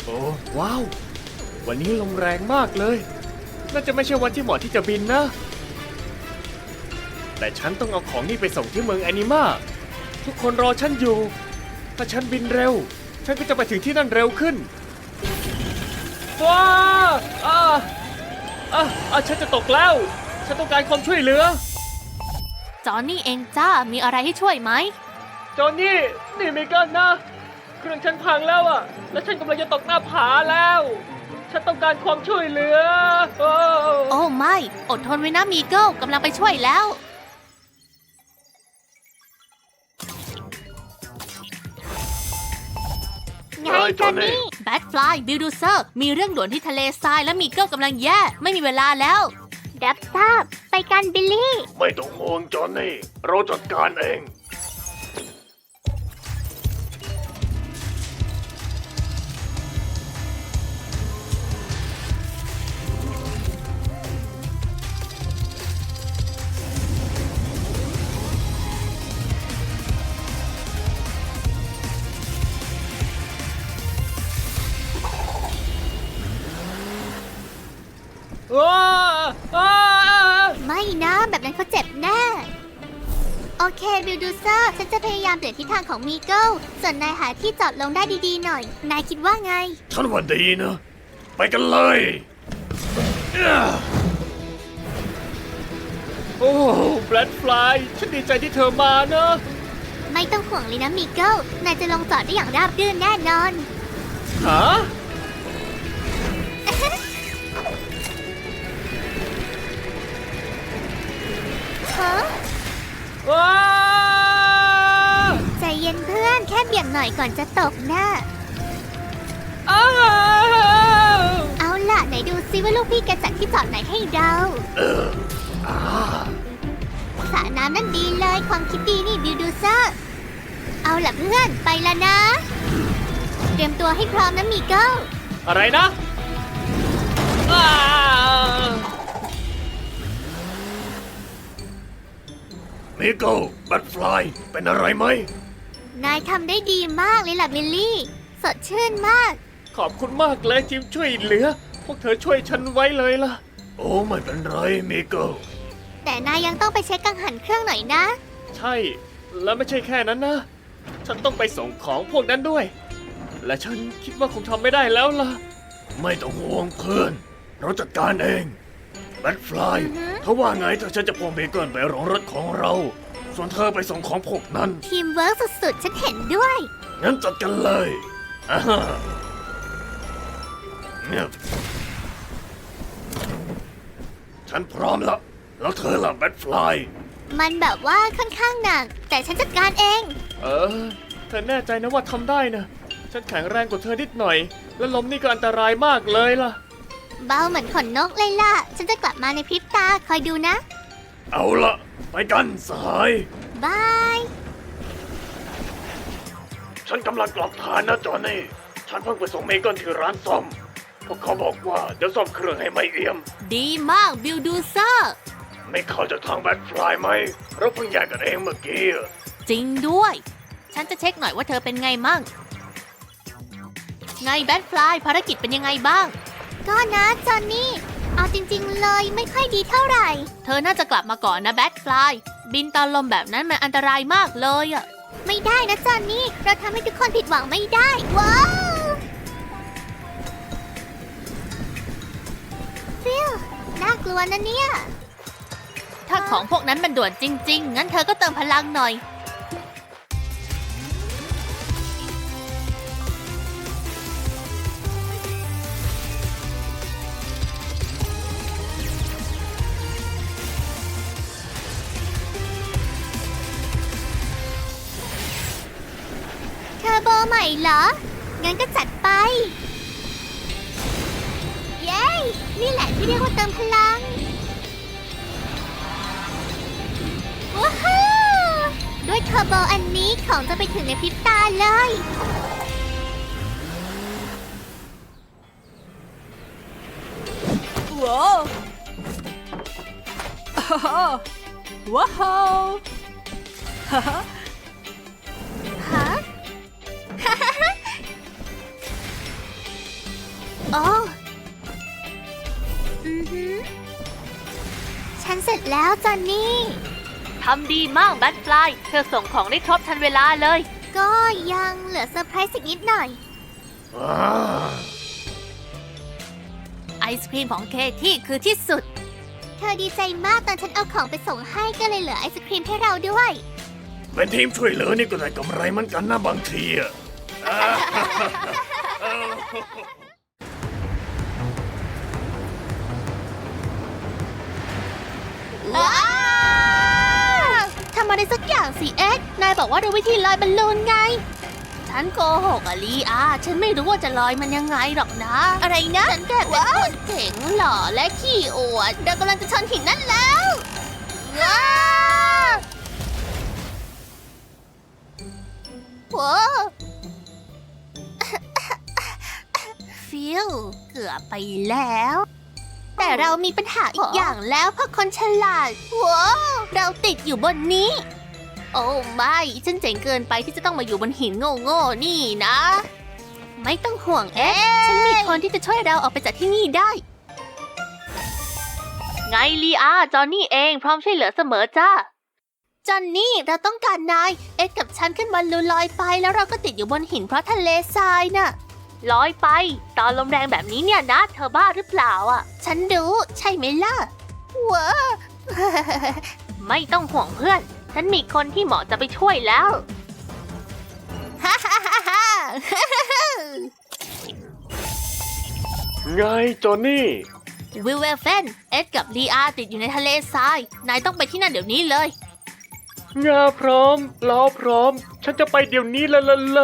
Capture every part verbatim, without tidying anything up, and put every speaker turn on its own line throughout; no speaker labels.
โอ้ว้าววันนี้ลมแรงมากเลยน่าจะไม่ใช่วันที่เหมาะที่จะบินนะแต่ฉันต้องเอาของนี่ไปส่งที่เมืองแอนิมาทุกคนรอฉันอยู่ถ้าฉันบินเร็วฉันก็จะไปถึงที่นั่นเร็วขึ้นว้าอ่าอ่าอ่าฉันจะตกแล้วฉันต้องการความช่วยเหลือ
จอนนี่เองจ้ามีอะไรให้ช่วยไหม
จอนนี่นี่ไม่กันนะเครื่องฉันพังแล้วอะและฉันกำลังจะตกหน้าผาแล้วฉันต้องการความช่วยเหลือโอ้
โอ้ไม่อดทนไว้นะมีเกิลกำลังไปช่วยแล้ว
ไงจอนนี่
แบทฟลายบิลดูเซอร์มีเรื่องด่วนที่ทะเลทรายและมีเกิลกำลังแย่ไม่มีเวลาแล้ว
รับทราบไปกันบิลลี่
ไม่ต้องห่วงจอนนี่เราจัดการเองว้าว้า
ไม่นะแบบนั้นเขาเจ็บแน่โอเคบิลดูเซอร์ฉันจะพยายามเปลี่ยนทิศทางของมีเกิลส่วนนายหาที่จอดลงได้ดีๆหน่อย นายคิดว่าไง
ฉันว่าดีนะ ไปกันเลย โอ้แบล็ดฟลายฉันดีใจที่เธอมานะ
ไม่ต้องห่วงเลยนะมีเกิลนายจะลงจอดได้อย่างราบรื่นแน่นอน
ฮะ
ฮะ
ว้า
ใจเย็นเพื่อนแค่เบี่ยงหน่อยก่อนจะตกนะ
อ้าว
เอาล่ะไหนดูซิว่าลูกพี่แกจัดที่จอดไหนให้เราสระน้ำนั่นดีเลยความคิดดีนี่บิลดูเซอร์เอาล่ะเพื่อนไปแล้วนะ เตรียมตัวให้พร้อมนะมีเกิล
อะไรนะอ้ามิโก้แบล็ดฟลายเป็นอะไรไหม
นายทำได้ดีมากเลยล่ะบิลลี่สดชื่นมาก
ขอบคุณมากเลยทีมช่วยเหลือ พวกเธอช่วยฉันไว้เลยล่ะ โอ้ไม่เป็นไรมิโก้
แต่นายยังต้องไปเช็คกังหันเครื่องหน่อยนะ
ใช่ แล้วไม่ใช่แค่นั้นนะ ฉันต้องไปส่งของพวกนั้นด้วย และฉันคิดว่าคงทำไม่ได้แล้วล่ะ ไม่ต้องห่วงเพื่อน เราจัดการเองแบทฟลายเขาว่าไงถ้าฉันจะพวงเบเกิลไปรองรถของเรา ส่วนเธอไปส่งของพวกนั้น
ทีมเวิร์กสุดๆ ฉันเห็นด้วย
งั้นจัดกันเลยอ่าฮะเนี่ยฉันพร้อมแล้ว แล้วเธอล่ะแบทฟลาย
มันแบบว่าค่อนข้างหนัก แต่ฉันจัดการเอง
เออ เธอแน่ใจนะว่าทำได้นะ ฉันแข็งแรงกว่าเธอนิดหน่อย และลมนี่ก็อันตรายมากเลยล่ะ
เบาเหมือนขนนกเลยล่ะ ฉันจะกลับมาในพริบตาคอยดูนะ
เอาละไปกันสหาย
บาย
ฉันกำลังกลับฐานนะจอห์นนี่ ฉันเพิ่งไปส่งเมเกิลที่ร้านซ่อม พวกเขาบอกว่าเดี๋ยวซ่อมเครื่องให้ไม่เอี่ยม
ดีมากบิลดูเซอร์
ไม่เข้าจากทางแบทฟลายไหม เราเพิ่งแยกกันเองเมื่อกี้อะ
จริงด้วย ฉันจะเช็คหน่อยว่าเธอเป็นไงมั่งไงแบทฟลายภารกิจเป็นยังไงบ้าง
ก็นะจอนนี่ เอาจริงๆเลยไม่ค่อยดีเท่าไหร่
เธอน่าจะกลับมาก่อนนะแบทฟลายบินตอนลมแบบนั้นมันอันตรายมากเลยอะ
ไม่ได้นะจอนนี่ เราทำให้ทุกคนผิดหวังไม่ได้ ว้าวฟิวน่ากลัวนะเนี่ย
ถ้าของพวกนั้นมันด่วนจริงๆ งั้นเธอก็เติมพลังหน่อย
เทอร์โบใหม่เหรอ งั้นก็จัดไป เย้ นี่แหละที่เรียกว่าเติมพลัง ว้าวด้วยเทอร์โบอันนี้ของจะไปถึงในพริบตาเลย
ว้าวว้าวฮ่าฮ่า
ฮะฉันเสร็จแล้วจอนนี่
ทำดีมากแบทฟลายเธอส่งของได้ครบทันเวลาเลย
ก็ยังเหลือเซอร์ไพรส์อีกนิดหน่อย
อ่า
ไอศครีมของเคที่คือที่สุด
เธอดีใจมากตอนฉันเอาของไปส่งให้ก็เลยเหลือไอศครีมให้เราด้วย
เป็นทีมช่วยเหลือนี่ก็ได้กำไรเหมันกันนะบางทีอะ
ว้าวทำอะไรสักอย่างสิเอ็ดนายบอกว่าดูวิธีลอยบอลลูนไง
ฉันโกหกอะลีอาฉันไม่รู้ว่าจะลอยมันยังไงหรอกนะ
อะไรนะ
ฉันแค่เป็นคนเจ๋งหล่อและขี้อวด
เรากำลังจะชนหินนั่นแล้วว้าวโว้
ฟิลเกือบไปแล้ว
แต่เรามีปัญหาอีกอย่างแล้วเพราะคนฉลาดว้าว
เราติดอยู่บนนี้ โอ้ไม่ ฉันเจ๋งเกินไปที่จะต้องมาอยู่บนหินโง่ๆนี่นะ ไม่ต้องห่วงเอ๊ะฉันมีคนที่จะช่วยเราออกไปจากที่นี่ได้ ไงลีอาจอนนี่เองพร้อมช่วยเหลือเสมอจ้า
จอนนี่เราต้องการนาย เอ็ดกับฉันขึ้นบอลลูนลอยไปแล้วเราก็ติดอยู่บนหินเพราะทะเลทรายน่ะ
ลอยไป ตอนลมแรงแบบนี้เนี่ยนะ เธอบ้าหรือเปล่าอ่ะ
ฉันรู้ใช่ไหมล่ะว้าว
ไม่ต้องห่วงเพื่อน ฉันมีคนที่เหมาะจะไปช่วยแล้ว
ฮ่าฮ่าฮ่าฮ่า
ไงจอนนี่
วิลเวลเฟน เอ็ดกับลีอาติดอยู่ในทะเลทราย นายต้องไปที่นั่นเดี๋ยวนี้เลย
งาพร้อมล้อพร้อม ฉันจะไปเดี๋ยวนี้เลยเลย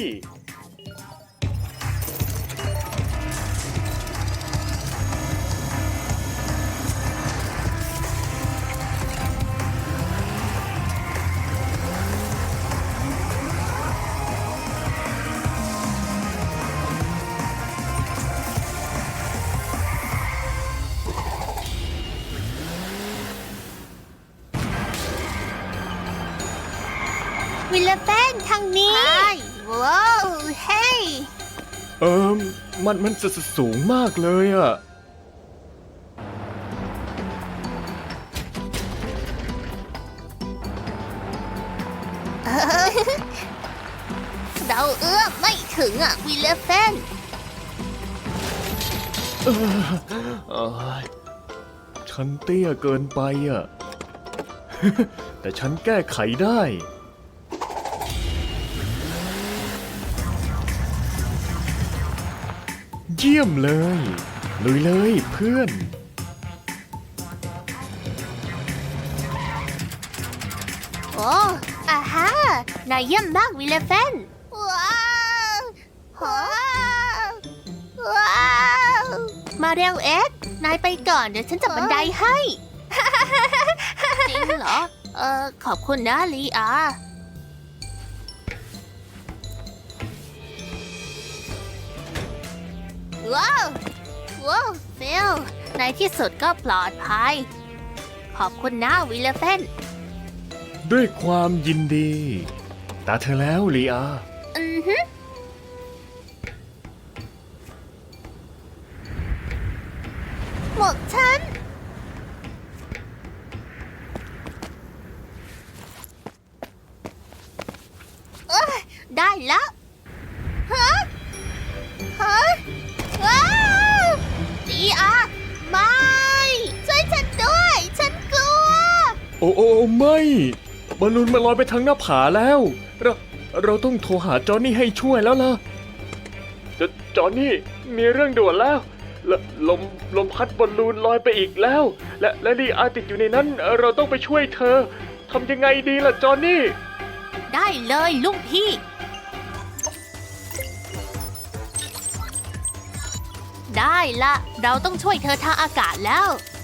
วิลเลเฟนทางนี้ว้าวเฮ้ย
เอิมมันมันสสสูงมากเลยอะ
เราเอื้อมไม่ถึงอ่ะวิลเลเฟน
เอ้ยฉันเตี้ยเกินไปอะ แต่ฉันแก้ไขได้ เยี่ยมเลยลุยเลยเพื่อน
โอ้อาฮานายเยี่ยมมากวิลเลเฟนว้าวว้าวว้าวมาเร็วเอ็ดนายไปก่อนเดี๋ยวฉันจับบันไดให้
จริงเหรอ
เออขอบคุณนะลีอา ว้าว ว้าวฟิลในที่สุดก็ปลอดภัย ขอบคุณนะวิลเลเฟน
ด้วยความยินดี ตาเธอแล้วลีอา
อือฮึหมวกฉัน เอ้ยได้แล้วฮะฮะว้าวดีอาไม่ช่วยฉันด้วย ฉันกลัว
โอ้โอ้ไม่บอลลูนมันลอยไปทางหน้าผาแล้ว เราเราต้องโทรหาจอห์นนี่ให้ช่วยแล้วล่ะจจอห์นนี่มีเรื่องด่วนแล้วลลมลมพัดบอลลูนลอยไปอีกแล้ว และและลีอาติดอยู่ในนั้น เราต้องไปช่วยเธอทำยังไงดีล่ะจอห์นนี่
ได้เลยลูกพี่ ได้ละ เราต้องช่วยเธอทางอากาศแล้ว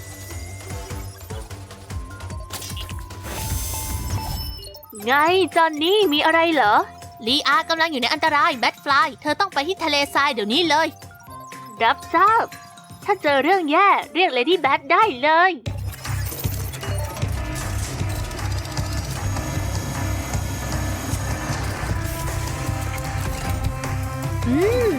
ไงจอนนี่มีอะไรเหรอ ลีอากำลังอยู่ในอันตรายแบทฟลาย เธอต้องไปที่ทะเลทรายเดี๋ยวนี้เลย รับทราบ ถ้าเจอเรื่องแย่เรียกเลดี้แบทได้เลย อืม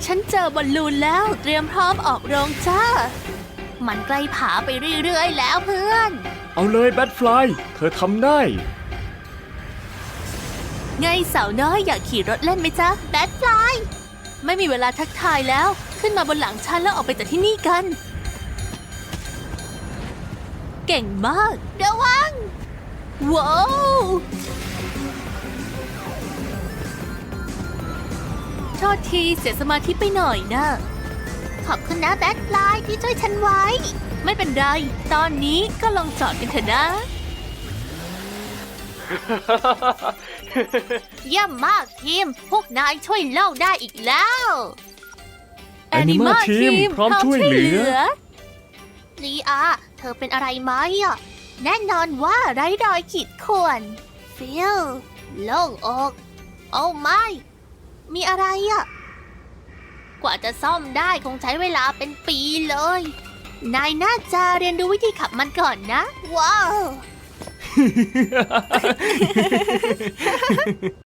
ฉันเจอบอลลูนแล้วเตรียมพร้อมออกโรงจ้า มันใกล้ผาไปเรื่อยๆแล้วเพื่อน
เอาเลยแบทฟลายเธอทำได้
ไงสาวน้อยอยากขี่รถเล่นไหมจ๊ะแบทฟลายไม่มีเวลาทักทายแล้ว ขึ้นมาบนหลังฉันแล้วออกไปจากที่นี่กัน เก่งมากระวัง ว้าวโทษทีเสียสมาธิไปหน่อยนะ
ขอบคุณนะแบทฟลายที่ช่วยฉันไว้
ไม่เป็นไร ตอนนี้ก็ลองจอดกันเถอะนะ
เยี่ยมมากทีม พวกนายช่วยเล่าได้อีกแล้ว
Anima Team พร้อมช่วยเหลือ
ลีอา เธอเป็นอะไรไหมอ่ะ แน่นอนว่าไร้รอยขีดข่วนฟิลโล่งอก โอ้ไม่ มีอะไรอ่ะ กว่าจะซ่อมได้คงใช้เวลาเป็นปีเลย นายน่าจะเรียนรู้วิธีขับมันก่อนนะ ว้าว